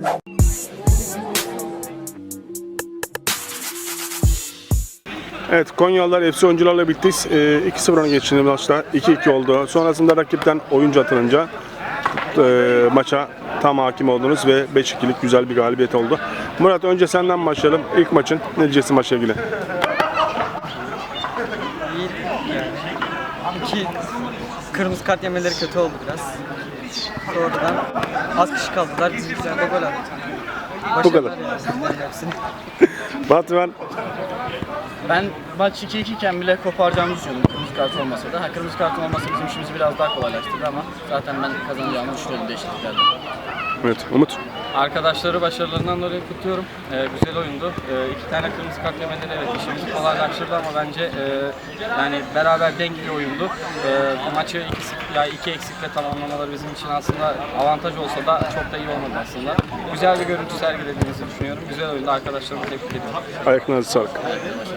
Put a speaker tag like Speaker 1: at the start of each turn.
Speaker 1: Evet, Konyalılar FC oyuncularla birlikte 2-0 öne geçtiğinde maçta 2-2 oldu. Sonrasında rakipten oyuncu atılınca maça tam hakim oldunuz ve 5-2'lik güzel bir galibiyet oldu. Murat, önce senden başlayalım. İlk maçın ne diyeceksin maçla ilgili?
Speaker 2: İyi yani. İki kırmızı kart yemeleri kötü oldu biraz. Sonradan az kişi kaldılar. Biz güzel de gol attık.
Speaker 1: Bu kadar.
Speaker 2: Hepsini.
Speaker 1: Batuhan,
Speaker 3: Ben maç 2-2 iken bile koparacağımızı düşünüyordum kırmızı kart olmasa da. Kırmızı kart olmasa bizim işimizi biraz daha kolaylaştırdı ama zaten ben kazanacağımı düşünüyordum değişikliklerle.
Speaker 1: evet, Umut.
Speaker 4: Arkadaşları başarılarından dolayı kutluyorum. Güzel oyundu. 2 tane kırmızı kart yemeleri evet işimizi kolaylaştırdı ama bence yani beraber dengeli oyundu. Bu maçı 2 eksikle tamamlamaları bizim için aslında avantaj olsa da çok da iyi olmadı aslında. Güzel bir görüntü sergilediğimizi düşünüyorum. Güzel oyundu. Arkadaşlarımı tebrik ediyorum.
Speaker 1: Ayaklarınıza sağlık.